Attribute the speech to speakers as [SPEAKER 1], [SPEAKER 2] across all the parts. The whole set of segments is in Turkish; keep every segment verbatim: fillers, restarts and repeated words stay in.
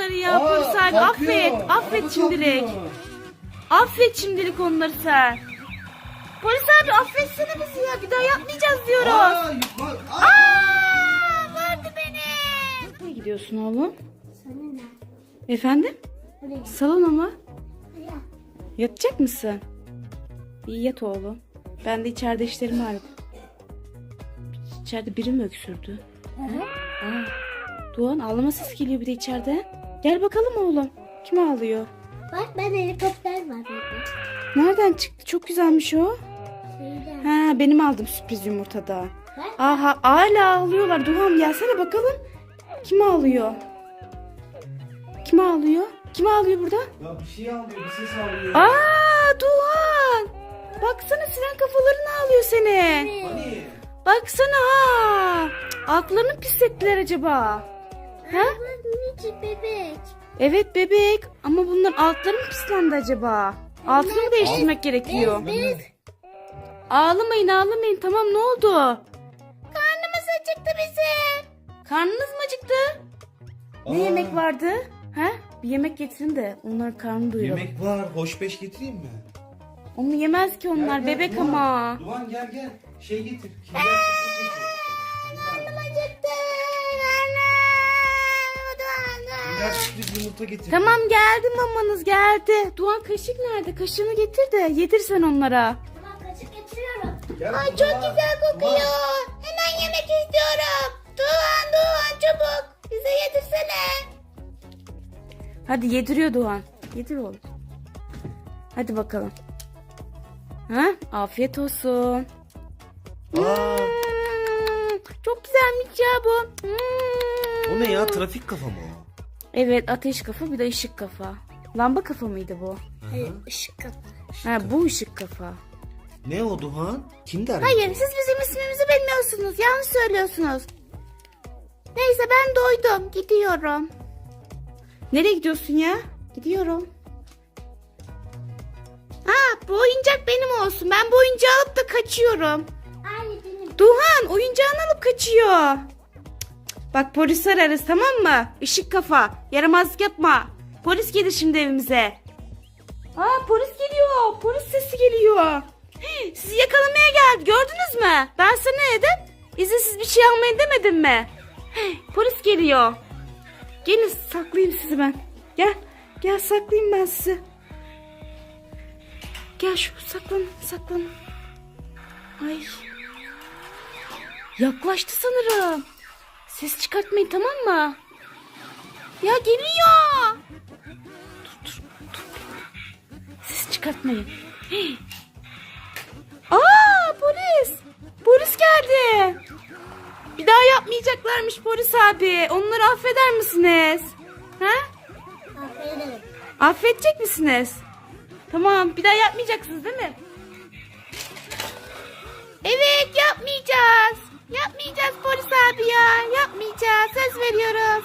[SPEAKER 1] onları ya
[SPEAKER 2] Aa,
[SPEAKER 1] polis abi.
[SPEAKER 2] kalkıyor.
[SPEAKER 1] Affet. Affet
[SPEAKER 2] Araba
[SPEAKER 1] şimdilik.
[SPEAKER 2] kalkıyor.
[SPEAKER 1] Affet şimdilik onları sen. Polis abi affetsene bizi ya. Bir daha yapmayacağız diyoruz.
[SPEAKER 2] Aa, yukarı- Aa.
[SPEAKER 1] Aa, vardı beni. Nereye gidiyorsun oğlum?
[SPEAKER 3] Salona.
[SPEAKER 1] Efendim?
[SPEAKER 3] Oraya.
[SPEAKER 1] Salona mı?
[SPEAKER 3] Oraya.
[SPEAKER 1] Yatacak mısın? İyi yat oğlum. Ben de içeride işlerimi halledeyim. İçeride biri mi öksürdü?
[SPEAKER 3] Hı hı.
[SPEAKER 1] Aa, Doğan ağlama sesi geliyor bir de içeride. Gel bakalım oğlum. Kim ağlıyor?
[SPEAKER 3] Bak ben helikopter var burada.
[SPEAKER 1] Nereden çıktı? Çok güzelmiş o.
[SPEAKER 3] Şeyden.
[SPEAKER 1] Ha, benim aldım sürpriz yumurtada.
[SPEAKER 3] Bak.
[SPEAKER 1] Aha, hala ağlıyorlar. Doğan gelsene bakalım. Kim ağlıyor? Kim ağlıyor? Kim ağlıyor burada?
[SPEAKER 2] Ya bir şey alıyor, bir ses alıyor.
[SPEAKER 1] Aa, Doğan. Baksana siren kafalarını ağlıyor seni.
[SPEAKER 2] Hani?
[SPEAKER 1] Baksana ha. Cık, Aklını pislettiler acaba. Ha?
[SPEAKER 3] Bak minicik bebek.
[SPEAKER 1] Evet bebek. Ama bunların altları mı pislendi acaba? Altını mı değiştirmek gerekiyor?
[SPEAKER 3] Bez.
[SPEAKER 1] Ağlamayın ağlamayın. Tamam ne oldu? Karnımız acıktı bizim. Karnınız mı acıktı? Ne
[SPEAKER 2] Aa.
[SPEAKER 1] yemek vardı? Ha? Bir yemek getirin de onların karnını doyuralım.
[SPEAKER 2] Yemek var, hoş beş getireyim mi?
[SPEAKER 1] Onu yemez ki onlar.
[SPEAKER 2] Gel, gel,
[SPEAKER 1] bebek
[SPEAKER 2] Duman.
[SPEAKER 1] ama.
[SPEAKER 2] Duman gel gel. Şey getir. Kinder sürpriz getir.
[SPEAKER 1] Acıktı.
[SPEAKER 2] Kinder sürpriz yumurta getir.
[SPEAKER 1] Tamam geldi mamanız geldi. Doğan kaşık nerede? Kaşığını getir de yedir sen onlara.
[SPEAKER 3] Tamam kaşık getiriyorum.
[SPEAKER 2] Gel,
[SPEAKER 1] Ay
[SPEAKER 2] Duman.
[SPEAKER 1] çok güzel kokuyor.
[SPEAKER 2] Duman.
[SPEAKER 1] Hemen yemek istiyorum. Doğan Doğan çabuk. Bize yedirsene. Hadi yediriyor Doğan. Yedir oğlum. Hadi bakalım. Ha? Afiyet olsun.
[SPEAKER 2] Aa,
[SPEAKER 1] Hmm, çok güzelmiş ya bu. Hmm.
[SPEAKER 2] o ne ya? Trafik kafa mı o?
[SPEAKER 1] Evet ateş kafa bir de ışık kafa. Lamba kafa mıydı bu?
[SPEAKER 3] Hayır ışık kapat.
[SPEAKER 1] Ha bu ışık kafa.
[SPEAKER 2] Ne o Duhan? Kim der?
[SPEAKER 1] Hayır siz bizim ismimizi bilmiyorsunuz. Yanlış söylüyorsunuz. Neyse ben doydum. Gidiyorum. Nereye gidiyorsun ya? Gidiyorum. Ha bu oyuncak benim olsun. Ben bu oyuncağı alıp da kaçıyorum.
[SPEAKER 3] Aynı benim.
[SPEAKER 1] Duhan oyuncağını alıp kaçıyor. Bak polis ararız tamam mı? Işık kafa. Yaramazlık yapma. Polis gelir şimdi evimize. Aa polis geliyor. Polis sesi geliyor. Hii, sizi yakalamaya geldi. Gördünüz mü? Ben sana ne dedim? İzinsiz bir şey almayın demedim mi? Hii, polis geliyor. Gelin saklayayım sizi ben. Gel. Gel saklayayım ben sizi. Gel şu saklan saklan. Ay. Yaklaştı sanırım. Ses çıkartmayın tamam mı? Ya geliyor. Dur dur dur. Ses çıkartmayın. Hey. Aa polis. Polis geldi. Bir daha yapmayacaklarmış polis abi. Onları affeder misiniz? Ha?
[SPEAKER 3] Aferin.
[SPEAKER 1] Affedecek misiniz? Tamam bir daha yapmayacaksınız değil mi? Evet yapmayacağız. Yapmayacağız polis abi ya. Yapmayacağız. Söz veriyoruz.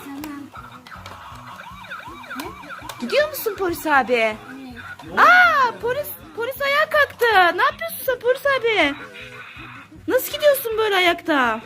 [SPEAKER 3] Tamam.
[SPEAKER 1] Gidiyor musun polis abi?
[SPEAKER 3] Evet.
[SPEAKER 1] Aa polis polis ayağa kalktı. Ne yapıyorsun sen polis abi? Nasıl gidiyorsun böyle ayakta?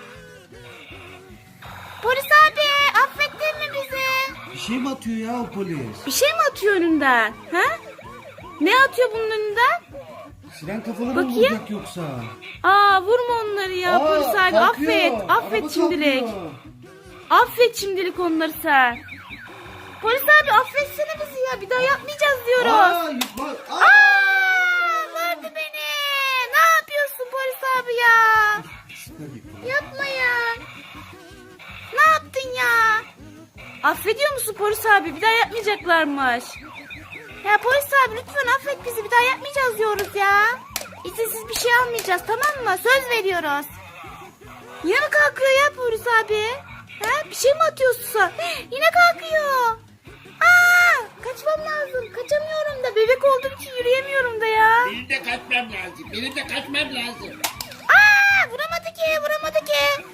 [SPEAKER 1] Polis abi affettin mi bizi?
[SPEAKER 2] Bir şey mi atıyor ya o polis?
[SPEAKER 1] Bir şey mi atıyor önünden? Ha? Ne atıyor bunun önünden?
[SPEAKER 2] Siren kafaları mı
[SPEAKER 1] Bakayım.
[SPEAKER 2] vuracak yoksa?
[SPEAKER 1] Aa vurma onları ya
[SPEAKER 2] Aa,
[SPEAKER 1] polis abi
[SPEAKER 2] kalkıyor.
[SPEAKER 1] affet. Affet
[SPEAKER 2] Araba
[SPEAKER 1] şimdilik.
[SPEAKER 2] kalkıyor.
[SPEAKER 1] Affet şimdilik onları sen. Polis abi affetsene bizi ya. Bir daha yapmayacağız diyoruz.
[SPEAKER 2] Aa, yukarı- Aa.
[SPEAKER 1] Aa, vardı beni. Ne yapıyorsun polis abi ya? Yapma ya. Ne yaptın ya? Affediyor musun polis abi? Bir daha yapmayacaklarmış. Ya polis abi lütfen affet bizi. Bir daha yapmayacağız diyoruz ya. İzinsiz bir şey almayacağız tamam mı? Söz veriyoruz. Yine mi kalkıyor ya polis abi? Ha? Bir şey mi atıyorsun sen? Yine kalkıyor. Aa, kaçmam lazım. Kaçamıyorum da. Bebek olduğum için yürüyemiyorum da ya.
[SPEAKER 4] Benim de kaçmam lazım. Benim de kaçmam lazım.
[SPEAKER 1] Aa, vuramadı ki, vuramadı ki.